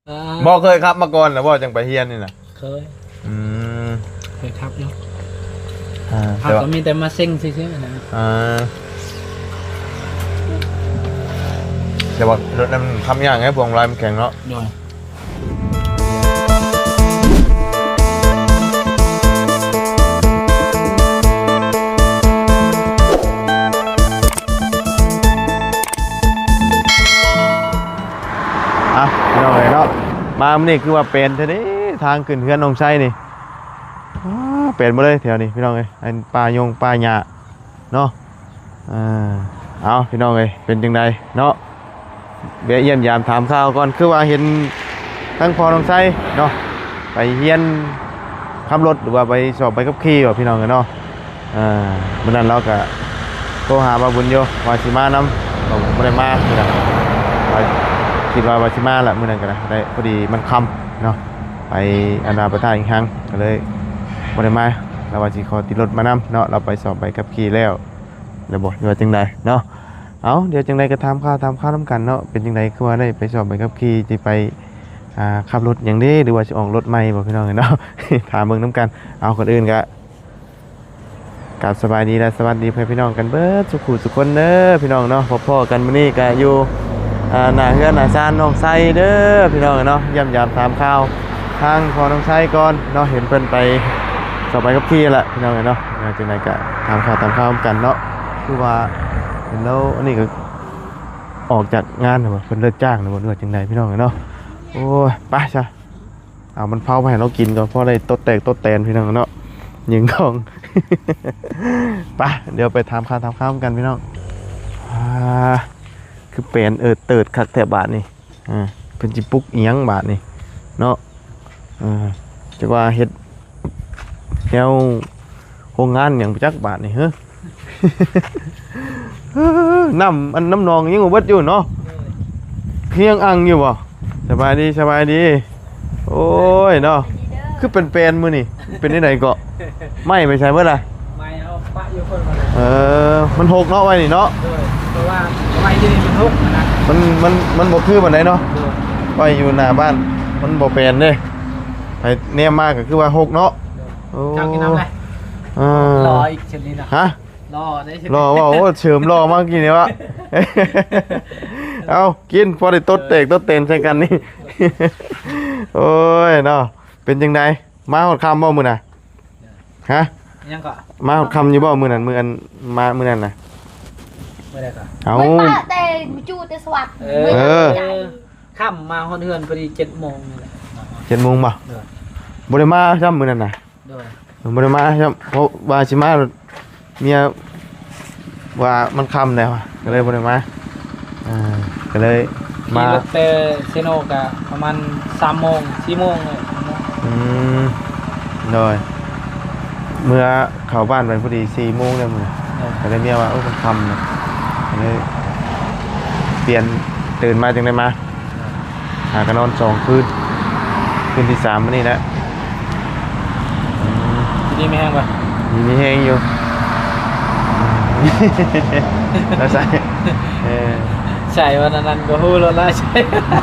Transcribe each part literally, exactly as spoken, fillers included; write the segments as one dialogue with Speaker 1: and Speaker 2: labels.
Speaker 1: บ่เคยขับมาก่อนแล้วบ่จังไปเฮียนนี่น่ะ
Speaker 2: เคย
Speaker 1: อืม
Speaker 2: เคยขับอยู่
Speaker 1: อ่า
Speaker 2: ขับก็มีแต่มาเซ็งซื่อๆนะ
Speaker 1: อ่าแต่ว่ารถนั้นทำยากไงพวงมาลัยมันแข็งเนาะ
Speaker 2: โดย
Speaker 1: อ่ะพี่น้องเอ้ยเนาะมามื้อนี้คือว่าเป็นแท้เด้ทางขึ้นเฮือนน้องไส้นี่อ้าเป็นบ่เลยแถวนี้พี่น้องเอ้ยอันป่ายงป่าหญ้าเนาะอ่าเอาพี่น้องเอ้ยเป็นจังไดเนาะแวะเยี่ยมยามถามข่าวก่อนคือว่าเห็นทั้งพ่อน้องไส้เนาะไปเฮียนขับรถหรือว่าไปสอบไปขับขี่ว่าพี่น้องเอ้ยเนาะอ่ามื้อนั้นเราก็โทรหาบ่าวบุญอยู่ว่าสิมานำบ่บ่ได้มาพี่น้องว่าคิดว่าว่าสิมาละมื้อนั้นก็ได้พอดีมันค่ำเนาะไปอันดาประทานอีกครั้งก็เลยบ่ได้มาแล้วว่าสิขอติดรถมานำเนาะเราไปสอบไปขับขี่แล้วแล้วบ่ว่าจังไดเนาะเอาเดี๋ยวจังไดก็ถามข่าวถามข่าวนํกันเนาะเป็นจังไดคือว่าได้ไปสอบไปขับขี่สิไปอ่าขับรถหยังเด้หรือว่าสิออกรถใหม่บ่พี่น้องเนาะ ถามเบิ่งนํกันเอาคนอื่นก็กราบสบายดีและสวัสดีเพื่อนพี่น้องกันเบิดสุขุสุขคนเด้อพี่น้องเนาะพบๆกันมื้อนี้ก็อยู่อ่าหน้าเฮือนหน้าศาลน้องไส้เด้อพี่น้องเนาะเยี่ยมยามถามข่าวทางพอน้องไส้ก่อนเนาะเห็นเพิ่นไปสอบไปขับขี่แหละพี่น้องเนาะจังไดก็ถามข่าวถามข่าวกันเนาะคือว่าเห็นแล้วอันนี้ก็ออกจากงานน่ะบ่เพิ่นเลิกจ้างน่ะบ่รู้ว่าจังไดพี่น้องเนาะโอ้ยไปซะเอามันเผาไปให้เรากินก่อนพอได้ตดแตกตดแตนพี่น้องเนาะยิงทอง ไปเดี๋ยวไปทำข้าวทำข้าวกันพี่น้องอ่าคือเป็นเออเติดคักแถบบาทนี่อ่าเป็นจิปุกเอียงบาทนี่เนาะอ่าจะว่าเฮ็ดแนวโรงงานอย่างจักบาทนี่เฮ้อ น้ำอันน้ำนองยังบ่เบิดอยู่เนาะเพียงอังอยู่บ่สบายดีสบายดีโอ้ยเนาะคือเป็นเป็นมื้อนี่เป็นที่ไหนเกาะไม่ไปใช้เมื่อไร
Speaker 2: ไม่เอาปะอยู่คนมา
Speaker 1: เออมันหกเนาะไว้นี่เนาะ
Speaker 2: เพราะว่าไม้ที่นี่มันหกนะ
Speaker 1: มันมันมันบ่คือปานใดเนาะไว้อยู่หน้าบ้านมันบ่เป็นเด้ไปแนมมากก็คือว่าหกเนาะโอ้
Speaker 2: จักกินน้ำเลยรออีกชนิดนะ
Speaker 1: ฮะ
Speaker 2: รอได้
Speaker 1: รอว่าโอ้เฉิมรอมากกินเนี่ยวะ เอากินพอได้ตดเตกตดเตนใส่กันนี่ โอ้ยเนาะเป็นจังไดมาหอดคำบ่มื้อน่ะฮะ
Speaker 2: ยังก็
Speaker 1: มาหอดคำอยู่บ่มื้อนั้นมื้ออันมามื้อนั้นน่ะ
Speaker 2: ไม่ได้ก็
Speaker 1: เอา
Speaker 3: แต่จูแต่สวัสดิ์
Speaker 1: เออ
Speaker 2: ค่ำมาฮอดเฮือนพอดีเจ็ดโมงนี่แหละ
Speaker 1: เจ็ดโมงบ่บ่ได้มาซ้ำมื้อนั้นน่ะบ่ได้มาซ้ำเพราะว่าสิมาเมียว่ามันค่ำแล้วก็เลยบ่ได้มาอ่าก็เลยมา
Speaker 2: ขี่รถเตเซโนกะประมาณสามโมงสี่โมงเลย
Speaker 1: อืมโดยเมื่อเข้าบ้านไปพอดีสี่โมงแล้วมื้อก็เลยเมียว่าเออมันค่ำนะก็เลยเปลี่ยนตื่นมาจังได๋มาหากันนอนสองคืนคืนที่สามมื้อนี้แหละอืม
Speaker 2: ทีนี้มีแห้งป่ะ
Speaker 1: มีมีแห้งอยู่แล้วใส่เออ
Speaker 2: ใช่วันนั้นก็ฮู้แล้วล่ะใช่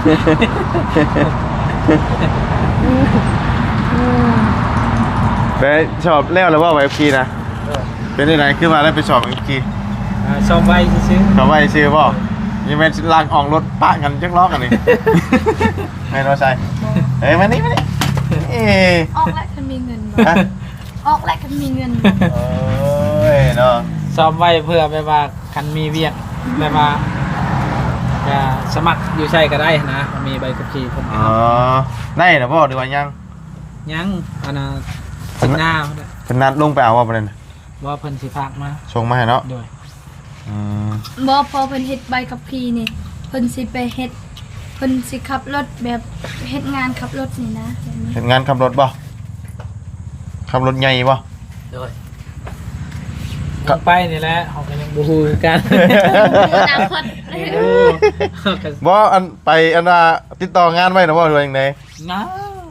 Speaker 1: ไปชอบแล้วหรือว่าไวคีนะเป็นที่ไหนขึ้นมาแล้วไปชอบไวคี
Speaker 2: ชอบไวซื้อ
Speaker 1: ชอบไวซื้อป่ะยังเป็นลากออกรถปะกันจักล้อกันนี่ไม่รู้ใช่เฮ้ยมานี่มานี่
Speaker 3: ออกแล้วคันมีเงินออกแล้วคันมีเงิน
Speaker 1: โอ้ยเนาะ
Speaker 2: ชอบไวเพื่อไปว่าคันมีเวียกไปว่าจะสมัครอยู่ใช่ก็ได้นะมีใบขับขี่ผม
Speaker 1: อ๋อได้หรือเปล่าดีกว่ายัง
Speaker 2: ยังอันน่ะสิหน้า
Speaker 1: เพิ่นนัดลงไปเอาว่าประเด็น
Speaker 2: ว่าเพิ่นสิฝากมา
Speaker 1: ส่งมาให้เนาะ
Speaker 2: ด้วย
Speaker 1: อืม
Speaker 3: บ่พอเพิ่นเฮ็ดใบขับขี่นี่เพิ่นสิไปเฮ็ดเพิ่นสิขับรถแบบเฮ็ดงานขับรถนี่นะ
Speaker 1: เฮ็ดงานขับรถบ่ขับรถใหญ่บ่
Speaker 2: ด้วยก็ไปนี่แหละเฮาก็ยังบ่ฮู้กัน
Speaker 3: อนาคต
Speaker 1: บ่อันไปอันน่ะติดต่องานไว้นะบ่หรือว่าจังได๋
Speaker 2: ยัง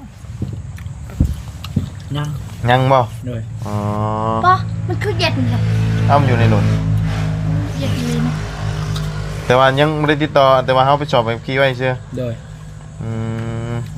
Speaker 2: ยัง
Speaker 1: ยังบ่
Speaker 2: ด้วย
Speaker 1: อ๋อ
Speaker 3: บ่มันคือเย็นครับ
Speaker 1: อ้ำอยู่ในรถ
Speaker 3: เย็นเลยนะ
Speaker 1: แต่ว่ายังบ่ได้ติดต่อแต่ว่าเฮาไปสอบไปขี่ไว้ซื่อ
Speaker 2: ด้วย
Speaker 1: อืม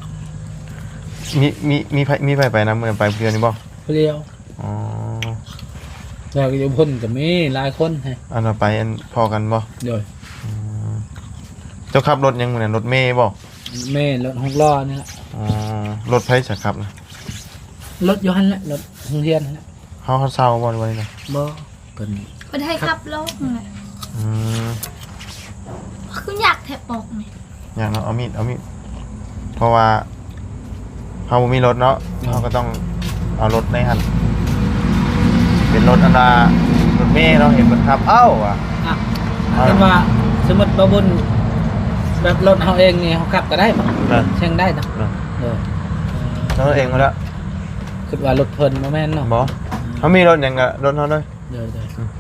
Speaker 1: มีมีมีไผมีไผไปนำเหมือนไปเพื่อนนี่บ่
Speaker 2: ผู้เดียว
Speaker 1: อ๋อ
Speaker 2: แล้วก็อยู่พ่นก็มีหลายคนให้
Speaker 1: อันว่าไปอันพอกันบ่
Speaker 2: โดย
Speaker 1: อืมเจ้าขับรถยังมื้อนั้นรถเมย์บ่
Speaker 2: แม่รถหกล้อนี่แหละ
Speaker 1: อ๋อรถไผสักครับนะ
Speaker 2: รถอยู่หั่นแหละรถโรงเรียนนั่นแหละ
Speaker 1: เฮาเฮาเซาบ่ไว้นะ
Speaker 2: บ่เพิ่น
Speaker 3: เพิ่นให้ขับรถไง
Speaker 1: อืม
Speaker 3: คืออยากแทบปอกนี่
Speaker 1: อย่างเนาะเอามีดเอามีดเพราะว่าเฮาบ่มีรถเนาะเฮาก็ต้องเอารถในหั่นเป็นรถอันดารถเมย์เนาะเห็นเพิ่นขับเอ้าว่ะ
Speaker 2: อ่ะแต่ว่าสมมุติบ่บุญแบบรถเฮาเองนี่เฮาขับก็ได้บ่
Speaker 1: นั่น
Speaker 2: เช่งได้เนาะ
Speaker 1: นั่น
Speaker 2: เออ
Speaker 1: แล้วรถเองมาแล้ว
Speaker 2: คิดว่ารถเพิ่นบ่แม่นเนาะ
Speaker 1: บ่เขามีรถหยังก็รถเฮาเลย
Speaker 2: เดี๋ยว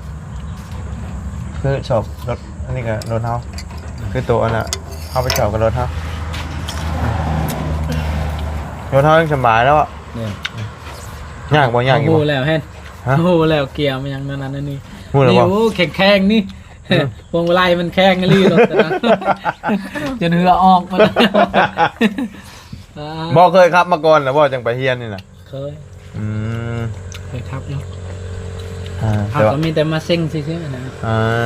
Speaker 1: คือชอบรถอันนี้ก็รถเฮาคือตัวอันน่ะเฮาไปชอบกับรถเฮารถเฮายังสบายแล้วอ่ะ
Speaker 2: ๆเดี๋ยวย
Speaker 1: ากบ่ยากอยู่
Speaker 2: โอ้
Speaker 1: บ่
Speaker 2: แล้วเห็น
Speaker 1: ฮะ
Speaker 2: โอ้แล้วเกียร์มันยังนั่นนั่นนี่
Speaker 1: พูดแล้ว
Speaker 2: นี่
Speaker 1: บ่
Speaker 2: โอ้แข็งๆนี่พวงมาลัยมันแข็งกะลี่รถแต่นั้นจนเหือออกมาแล้วอ่า
Speaker 1: บ่เคยขับมาก่อนแล้วบ่จังไปเฮียนนี่น่ะ
Speaker 2: เคย
Speaker 1: อืม
Speaker 2: เคยขับอยู่
Speaker 1: อ่า
Speaker 2: ขับ
Speaker 1: แต่ว่า
Speaker 2: ก็มีแต่มาเซ็งซื่อๆนะ
Speaker 1: อ่า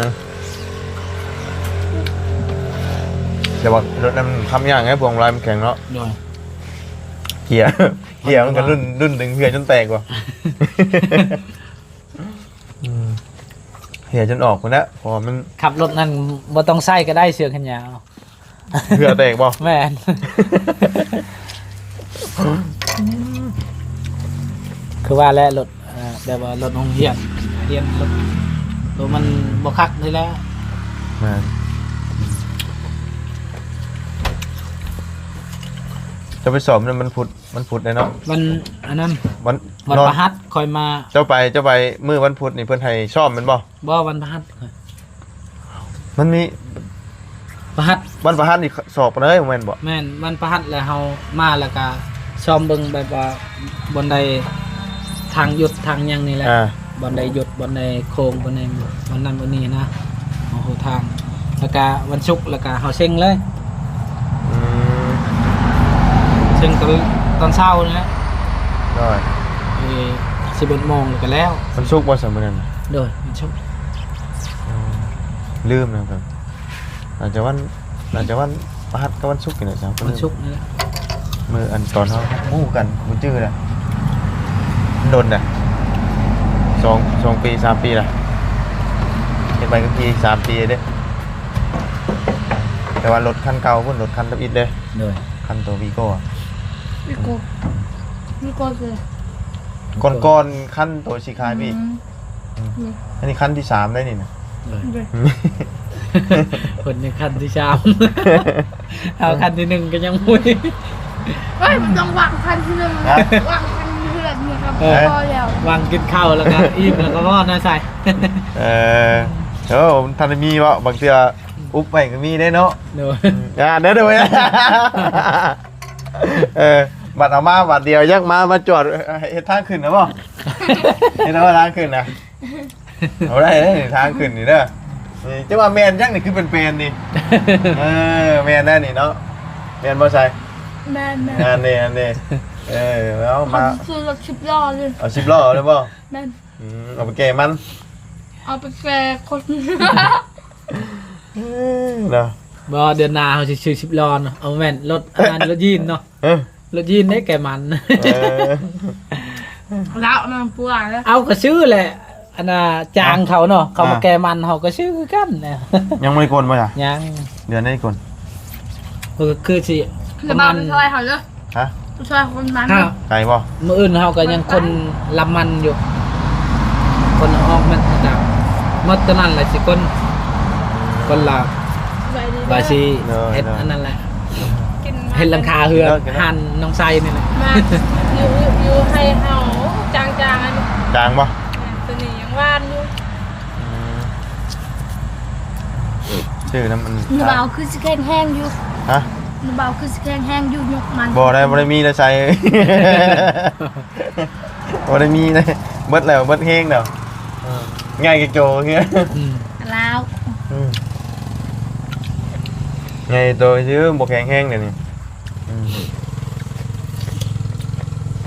Speaker 1: แต่ว่ารถนั้นมันขับยากไงพวงมาลัยมันแข็งเนาะ
Speaker 2: โดย
Speaker 1: เกียร์ เกียร์มันก็รุ่นรุ่นดึงเหือจนแตกว่ะอืมเหียจนออกพุ่นแล้วพอมัน
Speaker 2: ขับรถนั่นบ่ต้องใส่ก็ได้เสือแขนยาว
Speaker 1: เหือแตกบ่
Speaker 2: แม่นคือว่าแล้วรถอ่าแบบว่ารถโรงเรียนเรียนรถรถมันบ่คักนี่แหล้ว
Speaker 1: แม่นจะไปสอบนั่นมันพุดมันพุดเลยเนาะ
Speaker 2: วันอันนั้น
Speaker 1: วัน
Speaker 2: วัน
Speaker 1: นอน
Speaker 2: ประหัสคอยมา
Speaker 1: เจ้าไปเจ้าไปมื้อวันพุธนี่เพิ่นให้ซ่อมแมันบ่
Speaker 2: บ่วันประหัส
Speaker 1: มันมี
Speaker 2: ประหัส
Speaker 1: วันประหัสนี่สอบเลยแม่นบ่
Speaker 2: แม่นวันประหัสแล้วเฮามาแล้วก็ซ้อมเบิ่งแบบว่าบนใดทางหยุดทางหยังนี่แหละ
Speaker 1: อ่า
Speaker 2: บนใดหยุดบนใดโค้งบนใดวันนั้นวันนี้นะโอ้โหทางแล้วก็วันศุกร์แล้วก็เฮาเซ็งเลย
Speaker 1: อืม
Speaker 2: เซ็งตอนตอนเช้านะ
Speaker 1: ได้
Speaker 2: เอ่อสิบเอ็ดโมงแล้วก็แล้ว
Speaker 1: มันสุกร์บ่ซั่นมื้อนั้นน่ะ
Speaker 2: โดยวันศุกร์
Speaker 1: อืมลืมนะครับอาจจะวันอาจจะวันประหัสกับวันศุกร์นี่แหละครับ
Speaker 2: วันศุกร์นี่แหละ
Speaker 1: มื้ออันตอนเฮาหมู่กันบ่จื้อละมันโดนน่ะสองสองปีสามปีละเฮ็ดไปก็ปีสามปีเด้แต่ว่ารถคันเก่าพุ่นรถคันทับอิดเด้
Speaker 2: โดย
Speaker 1: คันตัววีโก้อะ
Speaker 3: วิโก้วิโก้คือ
Speaker 1: ก่อนก่อนคันตัวสีคายพี่
Speaker 3: อืม
Speaker 1: อันนี้คันที่สามได้นี่นะ
Speaker 2: โดย
Speaker 3: ด้วย
Speaker 2: คนในคันที่สาม เอาคันที่หนึ่งก็ยังมุ้ย
Speaker 3: เฮ้ยมันต้องวางคันที่หนึ่งนะวางคันที่เพื่อนนี่ครับ
Speaker 2: เออ
Speaker 3: พอแล้ว
Speaker 2: วางกินข้าวแล้วก็อิ่มแล้วก็รอดนะใส่
Speaker 1: เออเออผมทันได้มีวะบางเทื่ออุ๊บไปก็มีได้เนาะ
Speaker 2: โดย
Speaker 1: อ่าเด้อเด้อเว้ยเออบัตรเอามาบัตรเดียวยักมามาจอดเฮ็ดทางขึ้นนะบ่เฮ็ดเอาทางขึ้นนะเอาได้เด้อนี่ทางขึ้นนี่เด้อนี่จังว่าแม่นจังนี่คือเป็นๆนี่เออแม่นแน่นี่เนาะแม่นบ่ใช่
Speaker 3: แม่แม่
Speaker 1: อันนี้อันนี้เออแล้ว
Speaker 3: เขา
Speaker 1: มา
Speaker 3: ซื้อรถชิบล้อเลย
Speaker 1: เอาสิบล้อเลยบ่
Speaker 3: แม่
Speaker 1: อืมเอาไปแก้มัน
Speaker 3: เอาไปแก่คน
Speaker 1: เนาะ
Speaker 2: บ่เดือนหน้าเขาจะซื้อสิบล้อเนาะเอาแม่นรถอันนั้นรถยีนเนาะ
Speaker 1: เออ
Speaker 2: รถยีนได้แก่มัน
Speaker 1: เออ
Speaker 3: แล้วมันปวดแล้ว
Speaker 2: เอาก็ซื้อแหละอันน่ะจางเขาเนาะเขามาแก่มันเขาก็ซื้อคือกันนะ
Speaker 1: ยังไม่ได้กลนป่ะจ๊ะ
Speaker 2: ยัง
Speaker 1: เดือนได้กลน
Speaker 2: ก็คือสิป
Speaker 3: จะ
Speaker 2: ระ
Speaker 3: มา
Speaker 2: มาณ
Speaker 3: ไปช่วยเขาเลย
Speaker 1: ฮะ
Speaker 3: ไปช่วยคนมัน
Speaker 2: ห้า
Speaker 1: ไก่ป่ะ
Speaker 2: มื้ออื่นเขาก็ยังคนลำมันอยู่ คนออกมันจากมดตัวนั้นแหละสิคนคนละ
Speaker 3: ไปดี
Speaker 2: บาซีเฮ็ดอันนั้นแหละ
Speaker 3: กิน
Speaker 2: เฮ็ดหลังคาเฮือหันน้องไซนี่แหละ
Speaker 3: มาอยู่อยู่ให้เฮาจางๆอันนี้
Speaker 1: จางป่ะ
Speaker 3: ตัวนี้ยังว่านอยู่
Speaker 1: ชื่อน้ำมัน
Speaker 3: หนูเบาคือสิแข็งแห้งอยู่
Speaker 1: ฮะ
Speaker 3: หนูเบาคือสิแข็งแห้งอยู่ยกมัน
Speaker 1: บ่ได้บ่ได้มีนะใส่บ่ได้มีนะเบิดแล้วเบิดเฮงแล้วง่ายกับโจเงี้ย
Speaker 2: อืม
Speaker 3: แล้ว
Speaker 1: ง่ายตัวซื้อบ่แข็งแห้งเดี๋ยวนี้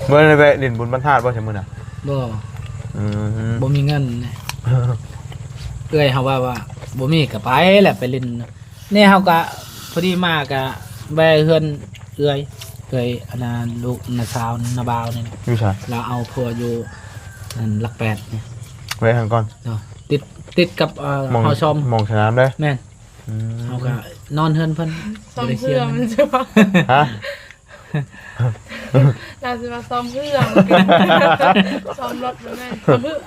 Speaker 1: เมื่อไรไปเล่นบุญบรรทัดบ่ใช่มื้อน่ะ
Speaker 2: บ่
Speaker 1: อืม
Speaker 2: บ่มีเงินนะเอ้ยเฮาว่าว่าบ่มีก็ไปแหละไปเล่นนี่เฮาก็พอดีมาก็แวะเฮือนเอ้ยเอ้ยอันนั้นลูกน้าสาวน้าบ่าวนี่
Speaker 1: อยู่ใช่
Speaker 2: เราเอาพัวอยู่นั่นหลักแปดเนี่ย
Speaker 1: ไว้ทางก่อน
Speaker 2: เนาะติดติดกับเอ่อ
Speaker 1: มอง
Speaker 2: เฮาชม
Speaker 1: มองสนามเด้อ
Speaker 2: แม่น
Speaker 1: อืม
Speaker 2: เฮาก็นอนเฮือนเพิ่น
Speaker 4: ซ้อม
Speaker 2: บ่ได้
Speaker 4: เพื่อ
Speaker 2: งิ
Speaker 4: มันจะว่า
Speaker 1: ฮะ
Speaker 4: เราจะมาซ้อมเพื่อซ้อมรถมันแม่นซ้อมเพื่อ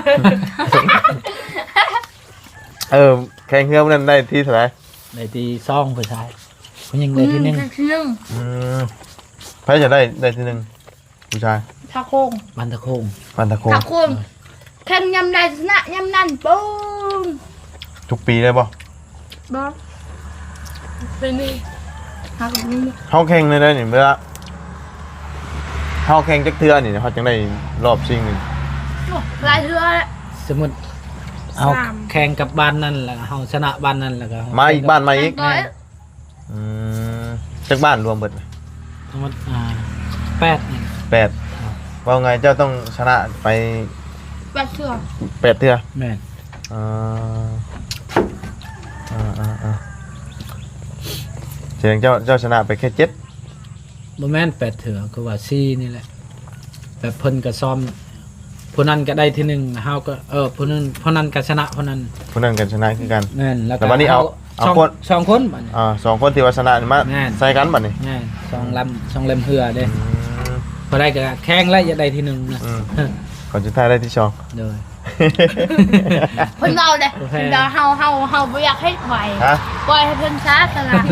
Speaker 1: เออแข่งเรือมันนั้นได้ที่เท่าไหร่
Speaker 2: ได้ตีซองผู้ชายผู้หญิงได้ที่หนึ่ง
Speaker 3: ที่หนึ่ง
Speaker 1: อืมใครจะได้ได้ที่หนึ่งผู้ชาย
Speaker 3: ทาโค้ง
Speaker 2: บันตะโคง
Speaker 1: ปันตะโคง
Speaker 3: ทาโค้งแข่งยำใดชนะยำนั่นปุ้ม
Speaker 1: ทุกปีได้ป่ะ
Speaker 3: บอส
Speaker 4: เป็นนี่
Speaker 3: หากับนี่
Speaker 1: เขาแข่งเลยได้เนี่ยเวลาเขาแข่งจักเทือนี่เขาจังได้รอบชิงนี่
Speaker 3: โอ้ลายเรือแหละ
Speaker 2: สมมุติเอาแข่งกับบ้านนั่นแล้วก็เฮาชนะบ้านนั่นแล้วก็
Speaker 1: มาอีกบ้านมาอีก
Speaker 3: ร้อย
Speaker 1: อืมจักบ้านรวมเบิดไหม
Speaker 2: สมมุติอ่าแปดนี่
Speaker 1: แปดว่าไงเจ้าต้องชนะไป
Speaker 3: แปดเชือก
Speaker 1: แปดเทือ
Speaker 2: แม่น
Speaker 1: อ่าอ่าอ่าอ่าเสียงเจ้าเจ้าชนะไปแค่เจ็ด
Speaker 2: บ่แม่นแปดเถือคือว่าสี่นี่แหละแบบเพิ่นก็ซ้อมผู้นั้นก็ได้ที่หนึ่งเฮาก็เออผู้นั้นผู้นั้นก็ชนะผู้นั้น
Speaker 1: ผู้นั้นกันชนะคือกัน
Speaker 2: แม่นแล้วก็
Speaker 1: แต่วันนี้เอาเอา
Speaker 2: สอง
Speaker 1: คน
Speaker 2: สองคนบัดนี้
Speaker 1: อ่าสองคนที่ว่าชนะนี่มา
Speaker 2: แม่น
Speaker 1: ใส่กันบัดนี่
Speaker 2: แม่นสองลำสองเล่มเหือเด้
Speaker 1: อืม
Speaker 2: พอได้ก็แข่งแล้วจะได้ที่หนึ่งนะ
Speaker 1: อืม ก่อนจะท้ายได้ที่สอง
Speaker 2: โดย
Speaker 3: เพิ่นเราเลย
Speaker 2: โอเค
Speaker 3: เพิ่นเราเฮาเฮาเฮาบ่อยากให้ไหว
Speaker 1: ฮะ
Speaker 3: ปล่อยให้เพิ่นช้าตลอด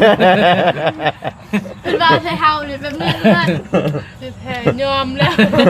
Speaker 3: เพิ่นเราใช้เฮาเลยแบบนี้เพื่อน
Speaker 4: จะแพ้ยอมแล้ว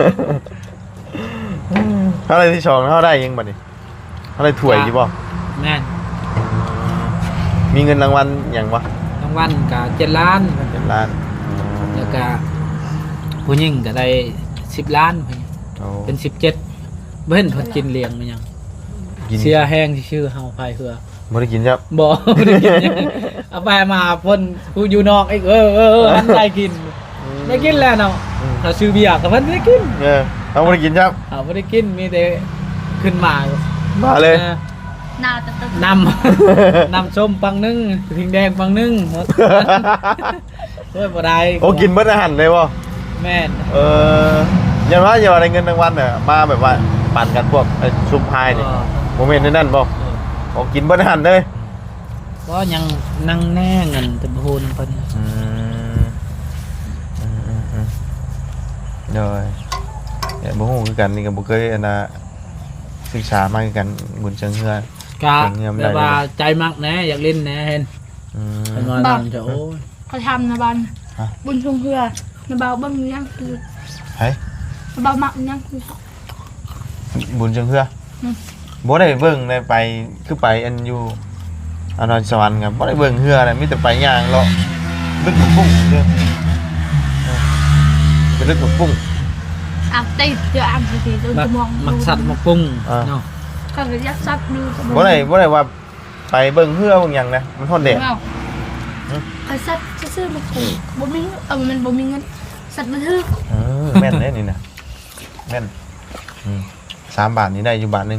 Speaker 1: เท่าไรที่สองเท่าได้ยังบัดนี่เท่าไรถ้วยอยู่บ่
Speaker 2: แม่น
Speaker 1: มีเงินรางวัลอย่างวะ
Speaker 2: รางวัลก็เจ็ดล้าน
Speaker 1: เป็นล้าน
Speaker 2: แล้วก็ผู้หญิงก็ได้สิบล้าน
Speaker 1: โอ้
Speaker 2: เป็นสิบเจ็ดเบิ่นเพิ่นกินเลี้ยงมันยัง
Speaker 1: กิน
Speaker 2: เสียแห้งที่ชื่อเฮาพายเรือ
Speaker 1: บ่ได้กินครับ
Speaker 2: บ่บ่ได้กินหยังเอาไปมาเพิ่นผู้อยู่นอกอีกเออเออเอออันได้กินได้กินแล้วเนาะเราซื้อเบียร์ก็เพิ่นได้กิน
Speaker 1: เออเอาบ่ได้กินครับ
Speaker 2: เขาบ่ได้กินมีแต่ขึ้นมา
Speaker 1: มาเลย
Speaker 2: ออ
Speaker 3: หน้าตะตึก
Speaker 2: นำ นำส้มปังนึ่งทิ้งแดงปังนึ่งหมดโอ้ยบ่ได้
Speaker 1: โอ้กินเบิดอาหารเลยบ่
Speaker 2: แม่น
Speaker 1: เออยันว่าอย่าว่าได้เงินรางวัลน่ะมาแบบว่าปั่นกันพวกไอ้ซุปพายนี่โมเมนต์นั้นบ่โอ้กินเบิดอาหารเลย
Speaker 2: ก็ยังนั่งแน่เงินแต่บ่ฮู้นำเพิ่น
Speaker 1: อืมอืมอืมอืมเด้อเนี่ยบ่ฮู้คือกันนี่ก็บ่เคยอันน่ะศึกษามาคือกันบุญเชิงเฮือ
Speaker 2: กะ
Speaker 1: เก่งเงียบได้
Speaker 2: แบบว่าใจมักแหน่อยากเล่นแหน่เห็น
Speaker 1: อืม
Speaker 2: เพิ่นว่านั่นจะโอ้ย
Speaker 3: เขาทำนะบัน
Speaker 1: ฮะ
Speaker 3: บุญชงเพื่อนะเบาเบิ่งยังคือ
Speaker 1: เฮ้ย
Speaker 3: นะเบามักยังคือ
Speaker 1: บุญเชิงเฮือ
Speaker 3: อืม
Speaker 1: บ่ได้เบิ่งได้ไปคือไปอันอยู่อันนอนสวรรค์ครับบ่ได้เบิ่งเฮือนะมีแต่ไปย่างเลาะลึกกับปุ้งเด้อเออไปลึกกับปุ้ง
Speaker 3: อ่ะติดเดี๋ยวอ่านสิๆดู
Speaker 2: มัก
Speaker 3: จะมอง
Speaker 2: มักสัตว์มักปุ้ง
Speaker 1: อ่า
Speaker 2: เนาะ
Speaker 3: ก็เลยยักซับดูจะ
Speaker 1: บ่ได้บ่ได้ว่าไปเบิ่งเฮือเบิ่งหยังนะมันทนแดด
Speaker 3: เอาไอ้สัตว์ซื่อๆมันถูกบ่มีเออมันบ่มีเงินสัตว์บันทึก
Speaker 1: เออแม่นเด้นี่นะแม่นอืมสามบาทนี่ได้อยู่บาทหนึง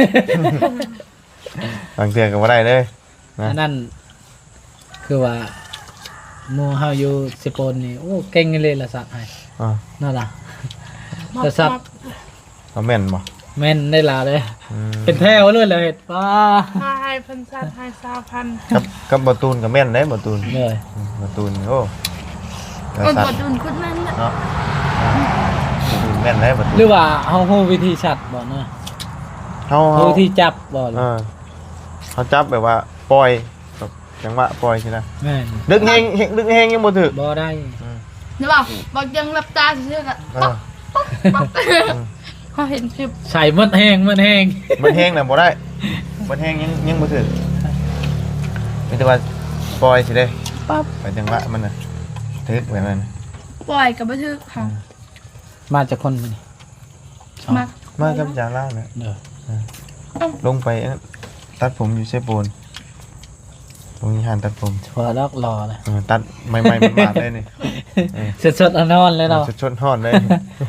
Speaker 1: บางเทื่อก็บ่ได้เลย นะ
Speaker 2: อันนั้นคือว่าหมู่เฮาอยู่สิปนนี่โอ้เก่งเลยละสัตว์ให้
Speaker 1: อ่า
Speaker 2: นั่นล่ะ
Speaker 4: มัก
Speaker 2: แต่สัตว์
Speaker 4: มัก
Speaker 1: เอาแม่นบ่
Speaker 2: แม่นได้ลาเลย
Speaker 1: อืม
Speaker 2: เป็นแถวเลยเลยป้า
Speaker 4: ห้าให้พันสัตว์ให้สาวพัน
Speaker 1: กับกับบ่ตูนก็แม่นเด้บ่ตูน
Speaker 2: เลย
Speaker 1: อืมบ่ตูนโอ้แต่
Speaker 3: คน
Speaker 1: สัต
Speaker 3: ก
Speaker 1: ว์
Speaker 3: ดดุนคนแม่นน่ะ
Speaker 1: เนาะบ่ตูนแม่นเด้บ่ตูน
Speaker 2: หรือว่าเฮาฮู้วิธีชัดบ่เนาะ
Speaker 1: เฮา
Speaker 2: ฮู้
Speaker 1: เฮา
Speaker 2: วิธีจับบ่
Speaker 1: เออเขาจับแบบว่าปล่อยแบบจังหวะปล่อยใช่ไหม
Speaker 2: แม่น
Speaker 1: ดึกแห้งเฮงดึกแห้งยังบ่ถึก
Speaker 2: บ่ได้
Speaker 3: นะบ่บ่ยังหลับตาซื่อๆก็
Speaker 1: เออ
Speaker 3: เขาเห็นคลิป
Speaker 2: ใส่หมดแห้งหมดแห้ง
Speaker 1: มันแห้งน่ะบ่ได้มันแห้งยังยังบ่ถึกมีแต่ว่าปล่อยสิเด้
Speaker 3: ปั๊บ
Speaker 1: ไปจังหวะมันน่ะถึกแบบนั้น
Speaker 3: ปล่อยกับบันทึกค่ะ
Speaker 2: มาจากคนมัน
Speaker 3: มา
Speaker 1: มากับจาล่าน่ะ
Speaker 2: เด้อ
Speaker 1: ลงไปอันนั้นตัดผมอยู่เซโปนตรงนี้หันตัดผม
Speaker 2: พอลอกรอเลย
Speaker 1: เออตัดใหม่ๆมันบาดเลยนี่
Speaker 2: สดๆอนอนเลยเนาะ
Speaker 1: ชดๆฮ้อนเลย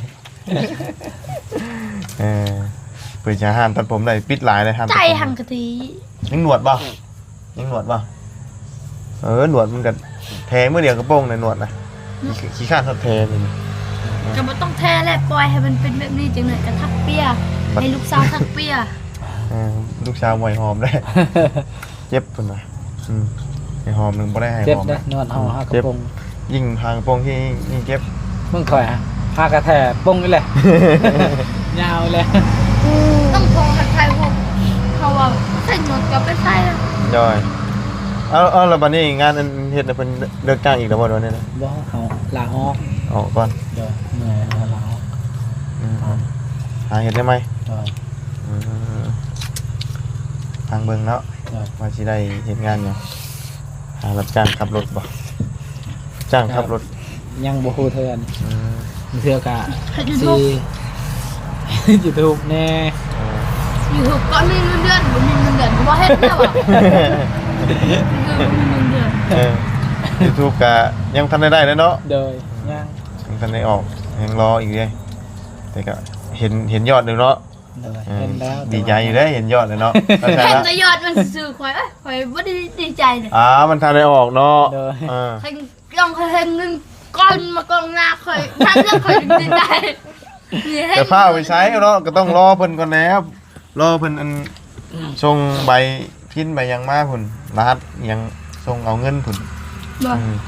Speaker 1: เออเปิดจะห้ามตัดผมได้ปิดหลายเลยห้ามตัด
Speaker 3: ใจ
Speaker 1: ผม
Speaker 3: หังกะทิ
Speaker 1: ยังหนวดป่ะยังหนวดป่ะเออหนวดมันก็แทงเมื่อเดียวกระโปรงในหนวดนะขี้ข้านทัดแทงนี่
Speaker 3: ก็บ่ต้องแท้แหละปล่อยให้มันเป็นแบบนี้จังหน่อยก็ทักเปียให้ลูกสาวทักเปีย
Speaker 1: เออลูกชาวมวยหอมได้ เจ็บคนนะอืมไอหอมหนึ่งบ่ได้ให้
Speaker 2: เจ็บ
Speaker 1: หอม
Speaker 2: นะนวดเฮาหากระโปรง
Speaker 1: ยิ่งทางกระโปรงที่ยิ่งเจ็บ
Speaker 2: มึงถอยฮะหากระแทกปงนี่แหละ ยาวเลย
Speaker 3: ต้องโทรหาใครพวกเขาว่าใส่หนวดก็ไปใส่แล้ว
Speaker 1: ย่อยเอาเอาแล้วบัดนี้งานอันเฮ็ดน่ะเพิ่นเลิกจ้างอีกแล้วบ่เดี๋ยวนี้นะ
Speaker 2: บ่เฮาลาออก
Speaker 1: ออกก่อน
Speaker 2: เดี๋ยวเหนื่อยเฮาลาออก
Speaker 1: อืมหาเฮ็ดได้ไหม
Speaker 2: เดี๋ยว
Speaker 1: อืมทางเบิ่งเนาะ
Speaker 2: เดี๋ยว
Speaker 1: ว่าสิได้เฮ็ดงานหยังหารับจ้างขับรถบ่จ้างขับรถ
Speaker 2: ยังบ่ฮู้เทื่อน
Speaker 1: อืม
Speaker 2: เทื่อกะ
Speaker 3: เฮ็ดยู
Speaker 2: สิ
Speaker 3: ทูบ
Speaker 2: YouTube แน่
Speaker 1: เออ
Speaker 3: ยูทูบก็มีเงินเดือนบ่มีเงินเดือนก็บ่เฮ็ดแล้วอ่ะคือบ่มีเงินเดือน
Speaker 1: เออ YouTube ก็ยังทันได้ได้เลยเนาะ
Speaker 2: เดยยัง
Speaker 1: ยังทันได้ออกยังรออีกเลยแต่ก็เห็นเห็นยอดเลยเนาะ
Speaker 2: เดย
Speaker 1: เออ
Speaker 2: เห็นแล้ว
Speaker 1: ดีใจอยู่ได้เห็นยอดเลยเนาะเข้าใจ
Speaker 3: เห็น
Speaker 1: ละ
Speaker 3: แต่ยอดมันซื่อๆข่อยเอ้ยข่อยบ่ได้ดีใจเลย
Speaker 1: อ่ามันทันได้ออกเนาะเออ
Speaker 3: เห็นกล้องข่อยเห็นหนึงก้อนมากองหน้าข่อยนั่นเรื่องข่อยถึงดีใจนี่เห็น
Speaker 1: แต่ผ้าเอาไปใช้เนาะก็ต้องรอเพิ่นก่อนแล้วรอเพิ่นอันส่งใบพินใบยังมาพุ่นรหัสยังส่งเอาเงินพุ่น
Speaker 3: บ่
Speaker 1: อืม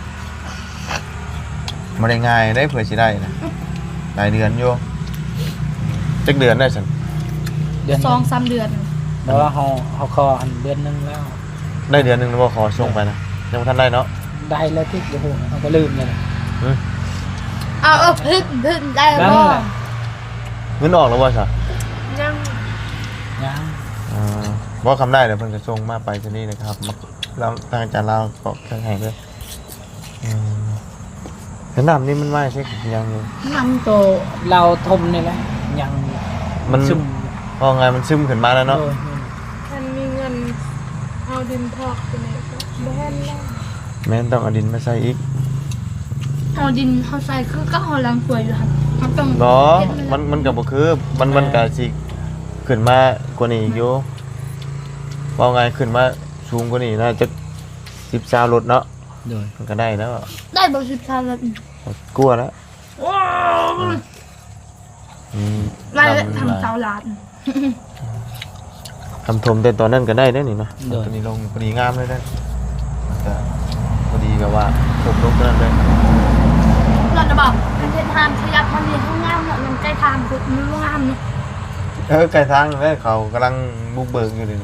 Speaker 1: บ่ได้ง่ายได้เผื่อสิได้นะหลายเดือนอยู่จักเดือนได้ซั่น
Speaker 2: เดือน
Speaker 3: สองสามเดือน
Speaker 2: แต่ว่าเฮาเฮาคออันเดือนหนึงแล้ว
Speaker 1: ได้เดือนหนึงแล้วบ่ขอส่งไปนะยังบ่ทันได้เนาะ
Speaker 2: ได้แล้วที่โอ้โหเฮาก็ลืมเลยนะ
Speaker 3: เอาเอาพึ่งพึ่งได้
Speaker 2: นั่น
Speaker 3: บ่
Speaker 2: แหละ
Speaker 1: เงินออกแล้วบ่ซะ
Speaker 4: ยัง
Speaker 2: ยัง
Speaker 1: อ่าบ่คำได้เดี๋ยวเพิ่นจะส่งมาไปที่นี่นะครับมาแล้วทางอาจารย์ลาวก็เครื่องให้ด้วยอืมแล้วน้ำนี่มันมาใช่ยังอยู่
Speaker 2: นำโตเราทมนี่แหละยัง
Speaker 1: มัน
Speaker 2: ซึม
Speaker 1: พอไงมันซึมขึ้นมาแล้วเนาะ
Speaker 2: โดย
Speaker 4: ท่านมีเงินเอาดินทอกไปไหนก็บ่แม่นแล้ว
Speaker 1: แม่นต้องเอาดินมาใส่อีก
Speaker 3: เอาดินเฮาใส่คือก็เฮาล้างถ้วยอยู่หั่นเฮาต้อง
Speaker 1: เนาะ
Speaker 3: เฮ็ด
Speaker 1: มันมันก็บ่คือมันมันก็สิขึ้นมากว่านี้อีกอยู่พอไงขึ้นมาสูงกว่านี้น่าจะสิบสามรถเนาะ
Speaker 2: โดย
Speaker 1: มันก็ได้แล้ว
Speaker 3: ได้บ่สิบสามแล้ว
Speaker 1: กลัวแล้ว
Speaker 3: ว้าว
Speaker 1: อืม
Speaker 3: ได้แล้วทำเสาหลาน
Speaker 1: ทำทมแต่ตอนนั้นก็ได้ได้นี่เนาะตอนนี้ลงพอดีงามเลยได้มันก็พอดีแบบว่าผมลงตอนนั้นเลย
Speaker 3: หลานน่ะบอกกันเฮ็ดทานขยับมันนี่ห้องงามเนาะมันใกล้ทางคือมันบ่งามเนาะ
Speaker 1: เออไกลทางเลยเขากำลังบุกเบิกอยู่เลยนี่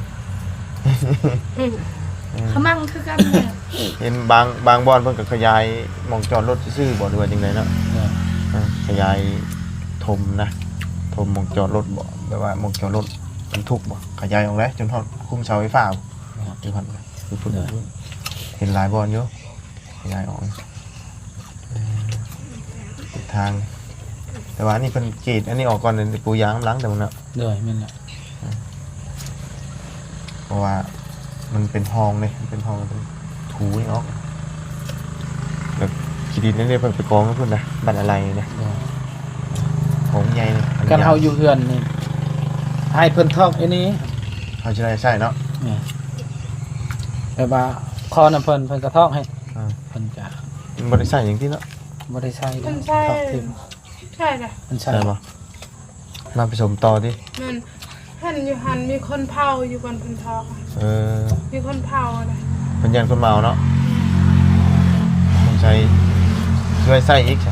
Speaker 3: เขามั่งคือกันเนี่ย
Speaker 1: เห็นบางบางบอนเพิ่นก็ขยายหมองจอดรถซื่อๆบ่ด้วยจังไดเนาะ
Speaker 2: โดย
Speaker 1: เออขยายถมนะถมหมองจอดรถบ่แบบว่าหมองจอดรถบรรทุกบ่ขยายออกแล้วจนฮอดคุมเสาไฟฟ้าบ่อยู่พันคือพุ่นเห็นหลายบอนอยู่ขยายออกเออทิศทาง แต่ว่านี่เพิ่นกรีดอันนี้ออกก่อนเดี๋ยวปูยางล้างแต่มันเนาะ
Speaker 2: โดยนั่นแหละ
Speaker 1: เพราะว่ามันเป็นห้องเลยมันเป็นห้องเป็นถูนี่ออกแล้วขีดินนี่เพิ่นไปกองกับเพิ่นนะบัตรอะไรนะ
Speaker 2: โดย
Speaker 1: ของใหญ่เลย
Speaker 2: กันเฮาอยู่เฮือนนี่ให้เพิ่นทอกไอ้นี้
Speaker 1: เขาจะได้ใช่เนาะ
Speaker 2: นี่แบบว่าคอน้ำเพิ่นเพิ่นกระทอกให้
Speaker 1: อ่า
Speaker 2: เพิ่นจะ
Speaker 1: มันบริษัทอย่างที่เนาะ
Speaker 2: บ่ได้ใช้
Speaker 4: มันใช่
Speaker 2: ทอกทิ่ม
Speaker 4: ใช่ค่ะ
Speaker 2: มันใช่
Speaker 1: ใช่ปะมาผสมต่อดิ
Speaker 4: มันหันอยู่หันมีคนเผาอยู่บนพันทอกอะ
Speaker 1: เออ
Speaker 4: มีคนเผาอะไร
Speaker 1: เป็นยันคนเมาเนาะต้องใช้ช่วยใส่อีกใช่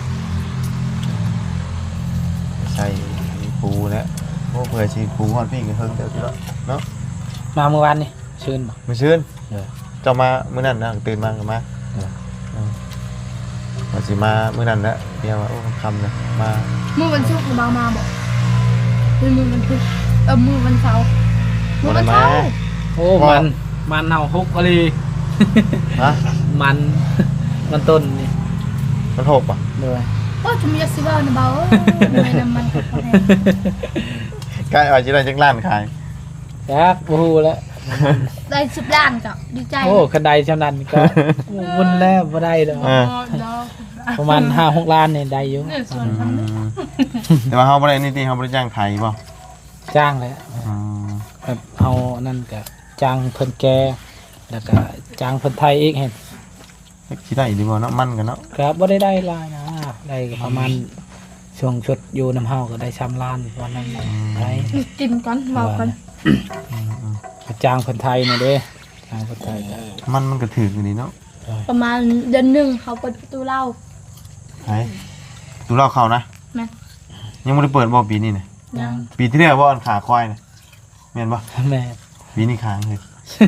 Speaker 1: ใส่ปูแล้วพวกเผื่อชีปูหอดพี่กันเพิ่งเดียวที่ละเนาะ
Speaker 2: มาเมื่อวานนี่ชื่นบ่
Speaker 1: มาชื่น
Speaker 2: เออ
Speaker 1: เจ้ามามื้อนั้นนะตื่นมาก็มา
Speaker 2: เออ
Speaker 1: เออมาสิมามื้อนั้นละเดี๋ยวว่าโอ้คำๆนะมา
Speaker 3: มื้อวันศุกร์บ่มาบอกหรือมื้อวันพุธเออมื้อวันเสาร์มื้อวันเสาร์
Speaker 2: โอ้มันมันเน่าฮุกอะไร
Speaker 1: ฮะ
Speaker 2: มัน มันต้นนี่
Speaker 1: มันหกป่ะ
Speaker 2: โดย
Speaker 3: โอ้จะมีสิเว้านะเบาเอ้ยไม่น้ำมันก็พอแห้ง
Speaker 1: ใกล้เอาจิได้จังล้านขาย
Speaker 2: จักบ่ฮู้แล้ว
Speaker 3: ได้สิบล้านก็ดีใจ
Speaker 2: โอ้คันใดชำนาญก็วุ่นแล้วบ่ได้ดอก
Speaker 1: เออ
Speaker 4: เนาะ
Speaker 2: ประมาณห้าหกล้านเนี่ยได้อยู่
Speaker 4: เนี่ยส่วน
Speaker 1: อื
Speaker 4: ทำ
Speaker 1: มแต่ว่าเฮาบ่ได้นี่ติเฮาบ่ได้จ้างไทยบ่
Speaker 2: จ้างแล้ว
Speaker 1: อืม
Speaker 2: แบบเอานั่นก็จ้างเพิ่นแกแล้วก็จ้างเพิ่นไทยอีกเห็น
Speaker 1: สิได้ดีบ่เนาะมันกันเนาะ
Speaker 2: ก็บ่ได้ได้หลายนะได้ประมาณช่วงชุดอยู่น้ำเฮาก็ได้ชำล้านวันนั้นได้
Speaker 3: กินก่อนเว้าก่อน
Speaker 2: ก็จ้างเพิ่นไทยนี่เด้จ้างเพิ่นไทยก็
Speaker 1: มันมันก็ถูกอยู่นี่เนาะ
Speaker 3: ประมาณเดือนหนึงเขาเปิดประตูเหล้า
Speaker 1: ไผตูเล่าเข้านะ
Speaker 3: แม่น
Speaker 1: ยังบ่ได้เปิดบ่ปีนี้น่ะ
Speaker 2: จ้าง
Speaker 1: ปีที่แล้วบ่อันขาควายน่ะแม่นบ่
Speaker 2: แม่
Speaker 1: ปีนี้ค้างเลย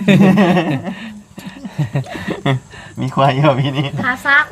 Speaker 1: มีควายเยอะปีนี้
Speaker 3: หาซัก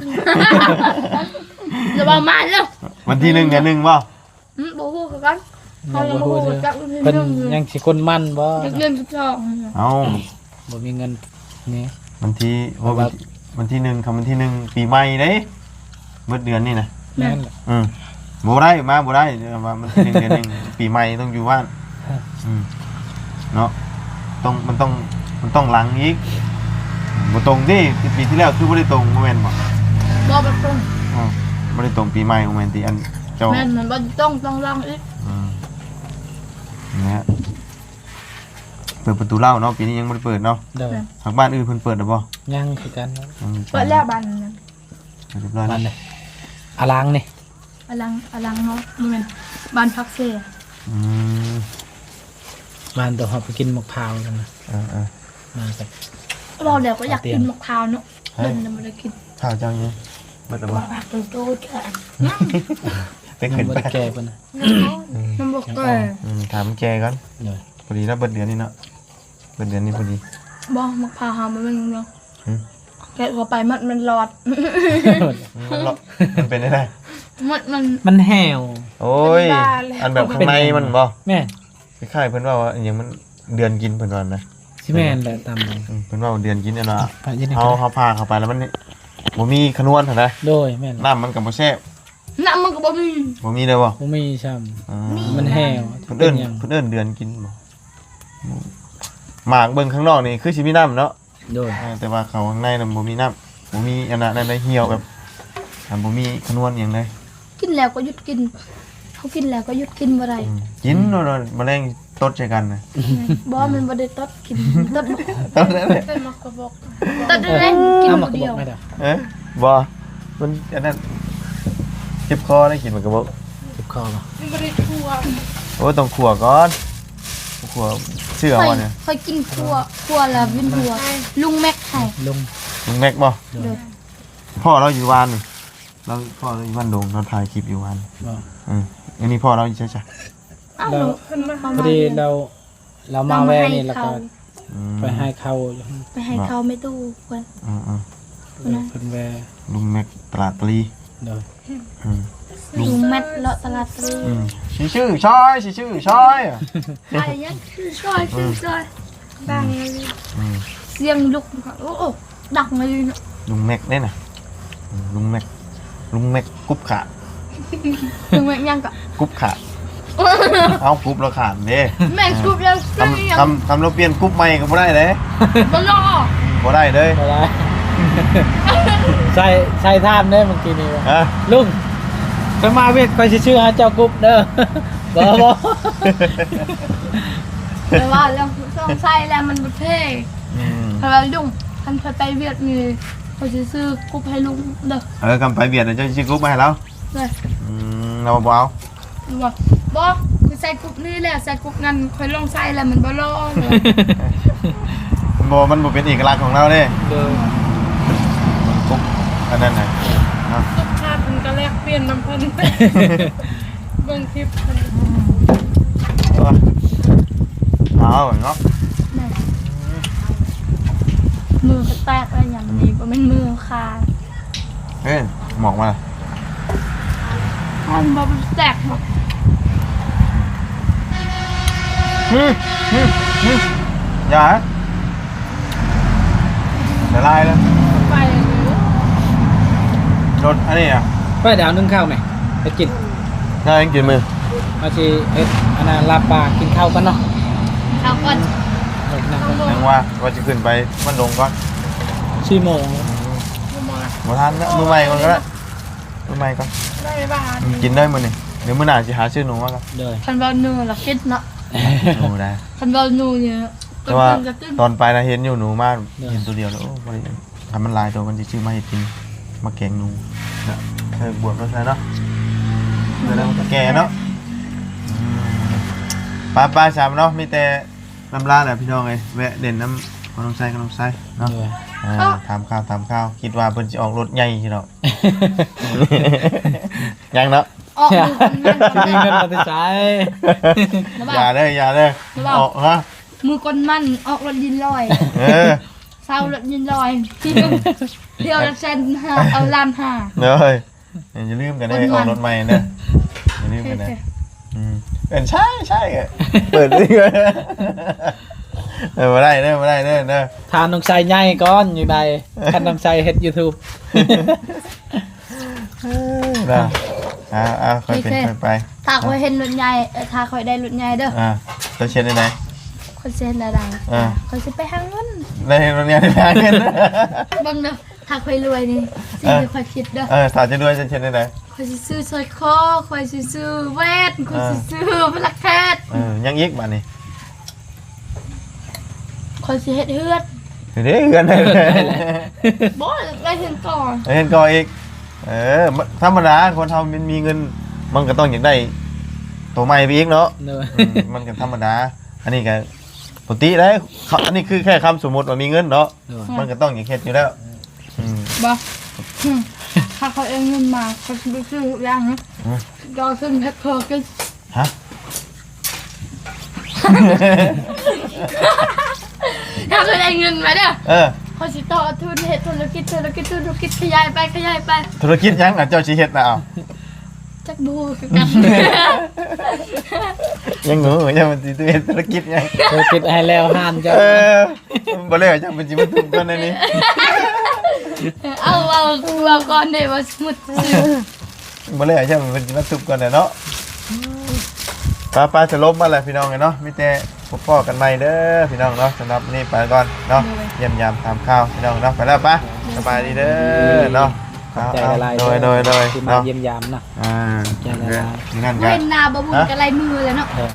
Speaker 3: จะประมาณแล้ว
Speaker 1: วันที่หนึ่งเดือนหนึ่งบ่
Speaker 3: อืมบ่ฮู้คือกันเขายังบ่ฮู้จักรุ่นที่
Speaker 2: เพิ่น
Speaker 3: หนึ่งอยู่
Speaker 2: ยังสิคนมั่นบ่
Speaker 3: จักเดือนสิบสอง
Speaker 1: เอ้า
Speaker 2: บ่มีเงินนี่
Speaker 1: วันที่
Speaker 2: เพราะว่า
Speaker 1: วันที่หนึ่งคำวันที่หนึ่งปีใหม่เด้เมื่อเดือนนี่นะ
Speaker 2: แม่นแหละ
Speaker 1: อืมบ่ได้มาบ่ได้เดี๋ยวว่ามันที่หนึ่งเดือนหนึ่ง ปีใหม่ต้องอยู่บ้านอืมเนาะต้องมันต้องมันต้องหลังอีกบ่ตรงดิปีที่แล้วคือบ่ได้ตรงบ่แม่นบ่
Speaker 3: บ่บ่ตรง
Speaker 1: อ๋อบ่ได้ตรงปีใหม่บ่แม่นติอันเจ้า
Speaker 3: แม่นมันบ่ต้องต้องลองอีก
Speaker 1: อืมนะฮะเปิดประตูเล่าเนาะปีนี้ยังไม่ได้เปิดเนาะ
Speaker 2: เด้อ
Speaker 1: ทางบ้านอื่นเพิ่นเปิดหรือเปล่า
Speaker 2: ยังคือกัน
Speaker 3: เปิดแล้วบ้านนั้น
Speaker 1: เรียบร้อย
Speaker 2: บ้า
Speaker 1: แล้
Speaker 2: น
Speaker 1: ว
Speaker 2: เลยอลังนี่
Speaker 3: อลังอลังเนาะบ่แม่นบ้านพักเส
Speaker 1: อืม
Speaker 2: บ้านตัวเฮาไปกินมะพร้าวกันนะ
Speaker 1: อ่าอ่า
Speaker 2: มากับ
Speaker 3: เราเดี๋ยวก็อยากกินมะพร้าวเนาะเดินน่ะบ่ได้กิน
Speaker 1: ข้าวเจ้าเนี่ยเปิดหรือเปล่า
Speaker 3: ปากโตๆจ้ะ
Speaker 1: เป็น
Speaker 2: ยั
Speaker 1: ขึ้
Speaker 2: ง
Speaker 1: น
Speaker 2: บ่
Speaker 1: ไป
Speaker 2: ได้แก่เพิ่นน่ะ
Speaker 3: มันบ่เกิด
Speaker 1: อืมถามแกก่อน
Speaker 2: เด้อ
Speaker 1: พอดีแล้วเบิดเดือนนี้เนาะเบิดเดือนนี้พอดี
Speaker 3: บ่มะพร้าวหามันเป็นเนาะ
Speaker 1: อืม
Speaker 3: แกะเข้าไปมันมันรอด
Speaker 1: มันเลาะมันเป็นได้ไง
Speaker 3: มันมัน
Speaker 2: มันแห้ว
Speaker 1: โอ้ยอันแบบข้างในมันบ่
Speaker 2: แม่น
Speaker 1: คล้ายๆเพิ่นว่าว่าอหยังมันเดือนกินเพิ่นว่านะ
Speaker 2: สิแม่นแหละตามนั้น
Speaker 1: อืมเพิ่นว่าเดือนกินอันน่ะ
Speaker 2: ไปยินดี
Speaker 1: เฮาเฮาพาเข้าไปแล้วมันนี่บ่มีขนวนเท่าใด
Speaker 2: โดยแม่น
Speaker 1: น้ำมันก็บ่แซ่บ
Speaker 3: น้ำมันก็บ่มี
Speaker 1: บ่มีเลยบ่
Speaker 2: บ่มีซ้ำ
Speaker 1: อ่า
Speaker 2: มันแห้ว
Speaker 1: เพิ่นเอิ้น
Speaker 2: หยัง
Speaker 1: เพิ่นเอิ้นเดือนกินบ่หมากเบิ่งข้างนอกนี่คือสิมีน้ำเนาะ
Speaker 2: โดย
Speaker 1: อ่าแต่ว่าเขาข้างในน่ะบ่มีน้ำบ่มีอันนั้นอันใดเหี่ยวแบบอ่าบ่มีขนวนหยังเลย
Speaker 3: กินแล้วก็หยุดกินเขากินแล้วก็หยุดกินบ่ได้
Speaker 1: อืมกินโดนแมลงตดใส่กันน่ะ
Speaker 3: บ่มันบ่ได้ตดกินตดบ่
Speaker 1: ตดนั่นแหละ
Speaker 4: เป็นมากระบอก
Speaker 3: ตดได้กิน
Speaker 2: เอา
Speaker 3: ค
Speaker 2: มาน กระ
Speaker 3: เดี
Speaker 2: บ
Speaker 3: ย
Speaker 2: อ
Speaker 3: ว
Speaker 2: กไม่ได้
Speaker 1: เอ๊ะบ่มันอันนั้นเจ็บคอได้กินมันก็บ่
Speaker 2: เจ็บคอบ่
Speaker 4: ไม่ได้ทั่ว
Speaker 1: โอ้ต้องขัวก่อนขัวเชื่อ
Speaker 3: ค่อย
Speaker 1: ว่าเนี่ย
Speaker 3: ค่อยกินครัวครัวแล้ววินหัวลุงแม็กให้
Speaker 2: ลุง
Speaker 1: ลุงแม็กบ่
Speaker 3: เด้อ
Speaker 1: พ่อเราอยู่วานนี่เราพ่อเราอยู่บ้านดงเราถ่ายคลิปอยู่วาน
Speaker 2: บ่
Speaker 1: อืมอันนี้พ่อเราอยู่ใช่จ้ะ
Speaker 3: อ้าว
Speaker 2: แล้ว
Speaker 3: หนู
Speaker 4: เพิ่นมา
Speaker 2: พอดีเราเรามาแวะนี่แล้วก็
Speaker 1: อืม
Speaker 2: ไปให้เขาอยู่
Speaker 3: ไปให้เขาไม่ตู้เพิ่น
Speaker 1: อืมอืม
Speaker 2: เพิ่นแวะ
Speaker 1: ลุงแม็กตลาดตรี
Speaker 2: โดย
Speaker 1: อืม
Speaker 3: ลุงแม็กเลาะตลาดตรี
Speaker 1: อืมชื่อชื่อช้อยชื่อชื่อช้อยอ่ะ
Speaker 3: อะไรยังคือช่วยคือช่วยบางเลย
Speaker 1: อืม
Speaker 3: เสียงลุกโอ้โอ้ดังเลยเนาะ
Speaker 1: ลุงแม็กเนี่ยนะอืมลุงแม็กลุงแม็กกุ๊บขา
Speaker 3: ลุงแม็กยังก็
Speaker 1: กุ๊บขาเอากุ๊บเราขาดเด้
Speaker 3: แม่ชุบแล้ว
Speaker 1: คำคำคำเราเปลี่ยนกุ๊บใหม่ก็บ่ได้เลย
Speaker 3: บ่รอ
Speaker 1: บ่ได้เลย
Speaker 2: บ่ได้ ใส่ใส่ท่ามเด้เมื่อกี้นี่ว่า
Speaker 1: ฮะ
Speaker 2: ลุงไปมาเวียดคอยสิชื่อหาเจ้ากรุ๊ปเด้อ บ่บ่
Speaker 3: แต่ว่าแล้วต้องใส่แล้วมันบ่เท่
Speaker 1: อืม
Speaker 3: เพราะว่าลุงคันเคยไปเวียดมีเขาสิซื้อกุ๊บให้ลุงเด้อ
Speaker 1: เออกำไปเบียดเดี๋ยวเจะชื่อกุ๊บมาให้เรา
Speaker 3: เลย
Speaker 1: อืมเราบ่เอา
Speaker 3: บอกบอกคือใส่กุ๊บนี่แหละใส่กุ๊บนั้นค่อยลองใส่แล้วมันบ่รอเลย
Speaker 1: บ่มันบ่เป็นเอกลักษณ์ของเราเด้
Speaker 2: เด้อ
Speaker 1: กุ๊บอันนั้นน่ะเนาะ
Speaker 4: ทุกชาติมันก็แลกเปลี่ยนน้ำเพิ่นเบิ่งคลิปเพิ่น
Speaker 1: เอาเนาะ
Speaker 3: มือก็แตกอะไรอย่างนี้บ่แม่นมือขาด
Speaker 1: เฮ้ยหมอกมา
Speaker 3: มันบ่แตกหรอก
Speaker 1: ฮึฮึฮึอย่าฮะเดี๋ยวไล่แล้ว
Speaker 4: ไปเลย
Speaker 1: รถอันนี้อ่ะ
Speaker 2: ไปดาวนึ่งข้าวไหมไปกิน
Speaker 1: น่ายังกินมือ
Speaker 2: เอาสิเฮ็ดอันนั้นลาบปลากินข้าวกันเนาะ
Speaker 3: เอาก่อน
Speaker 2: โอเค
Speaker 1: นังว่าว่าจะขึ้นไปมันลงก่อน
Speaker 2: สี่โมง
Speaker 1: บ่ทันนะมือใหม่ก่อนก็ได้มือใหม่ก่อน
Speaker 4: ได้บ้าน
Speaker 1: กินได้มื้อนี้เดี๋ยวมื้อหน้าสิหาชื่อหนูมาก่อน
Speaker 2: เลย
Speaker 3: คันเบาหนูละคิดเนาะ
Speaker 1: หนูได้
Speaker 3: คันเบาหนูเนี่ย
Speaker 1: แต่ว่า
Speaker 3: กระตุ้น
Speaker 1: ตอนไปนะเห็นอยู่หนูมากเห็นตัวเดียวแล้วโอ้บ่ได้ทำมันลายตัวมันสิชื่อมาเฮ็ดกินมาแกงหนูนะเออบวชแล้วเนาะเดี๋ยวมันก็แก่เนาะป้าป้าสามเนาะมีแต่น้ำลาแหละพี่น้องเอ้ยแวะเด่นน้ำขนมไส้ขนมไส้เนาะ
Speaker 2: เลย
Speaker 1: อ่าถามข้าวถามข้าวคิดว่าเพิ่นสิออกรถใหญ่สิเนาะ ยังเนาะ
Speaker 3: ออกมือคนมัน
Speaker 2: มีเงินมาติดใจ
Speaker 3: นะ
Speaker 1: อย่า
Speaker 3: บ่าว
Speaker 1: เด้ออย่าเด้อ
Speaker 3: ระวัง
Speaker 1: ออกฮะ
Speaker 3: มือคนมันออกรถยินลอย
Speaker 1: เออ
Speaker 3: เศร้ารถยินลอยที่เที่ยวละเซนห้าเอาล้านห้า
Speaker 1: เด้ออย่าลืมกันเด้อออกรถใหม่เด้ออย่าลืมกันเด้ออืมเป็นใช่ใช่อะเปิดดิเลยเออมาได้เด้อมาได้เด้อเด้อ
Speaker 2: ทานน้องชายใหญ่ก่อนอยู่ใดคันน้องชายเฮ็ด YouTube
Speaker 1: เด้ออ่าอ่าค่อยเป็นค่อยไป
Speaker 3: ถ้าคอยเห็นรถใหญ่เอ่อถ้าคอยได้รถใหญ่เด้อ
Speaker 1: อ่าจะเช็ดได้ไหน
Speaker 3: คอยเซ็นอะไร
Speaker 1: อ่า
Speaker 3: คอยจะไปหาเงิน
Speaker 1: ได้เห็นรถเนี้ยได้ทางเงิน
Speaker 3: เบังเด้อถ้าคอยรวยนี่สิ่งที่คอยคิดเด้อ
Speaker 1: เออสาวจะด้วยจะเช็ดได้ไหน
Speaker 3: คอยสิซื้อสร้อยคอคอยสิซื้อแหวนคอยสิซื้อพลักแคท
Speaker 1: เออยังอีกมานี่
Speaker 3: คอยสิเฮ็ดเฮือด
Speaker 1: เดี๋ยวเงินได้เลย
Speaker 3: บ่ได้เห็นก่อน
Speaker 1: เห็นก็อีก เออธรรมดาคนทำมันมีเงิน มันก็ต้องอยากได้ตัวใหม่ไปอีกเนาะ
Speaker 2: เลย
Speaker 1: อืมมันก็ธรรมดา อันนี้ก็ปกติได้เขาอันนี้คือแค่คำสมมติว่ามีเงินเนาะ
Speaker 2: เลย
Speaker 1: มันก็ต้องอย่างเฮ็ดอยู่แล้วอืม
Speaker 3: บ่อืมถ้าเขาเอาเงินมาเขาสิไปซื้อทุกอย่างนะ
Speaker 1: อืม
Speaker 3: ก็ซื้อแพ็คเกอร์กัน
Speaker 1: ฮะ
Speaker 3: ถ้าเขาได้เงินมาเด้อ
Speaker 1: เออ
Speaker 3: เขาสิต่อทุนเฮ็ดธุรกิจธุรกิจธุรกิจขยายไปขยายไป
Speaker 1: ธุรกิจยังอ่ะเจ้าชีเฮ็ดนะเอา
Speaker 3: จักบูคือกัน
Speaker 1: ยังงูยังมันสิเฮ็ดธุรกิจยัง
Speaker 2: ธุรกิจให้แล้วห้านเจ้า
Speaker 1: เออบ่เลยจังมันสิมาทุบกันในนี้
Speaker 3: เอาเอาเอาก่อนเด้ว่าสมุดซื้อ
Speaker 1: บ่เลยจังมันสิมาทุบกันเนาะป้าป้าจะลบมาแล้วพี่น้องเนาะมีแต่พบพ่อกันใหม่เด้อพี่น้องเนาะสำหรับนี่ไปก่อนเนาะเยี่ยมยามตามข้าวพี่น้องเนาะไปแล้วป้าสบายดีเด้อเนาะ
Speaker 2: ขอบใจหลายๆ
Speaker 1: โดยโดยโดย
Speaker 2: ที่มา
Speaker 1: เนาะ
Speaker 2: เยี่ยมยามนะ
Speaker 1: อ่า
Speaker 2: ขอบใจหลายๆ
Speaker 1: นั่นกั
Speaker 3: เว้
Speaker 1: น
Speaker 3: นหนาบ่บุญกับลายมือเลยเนาะ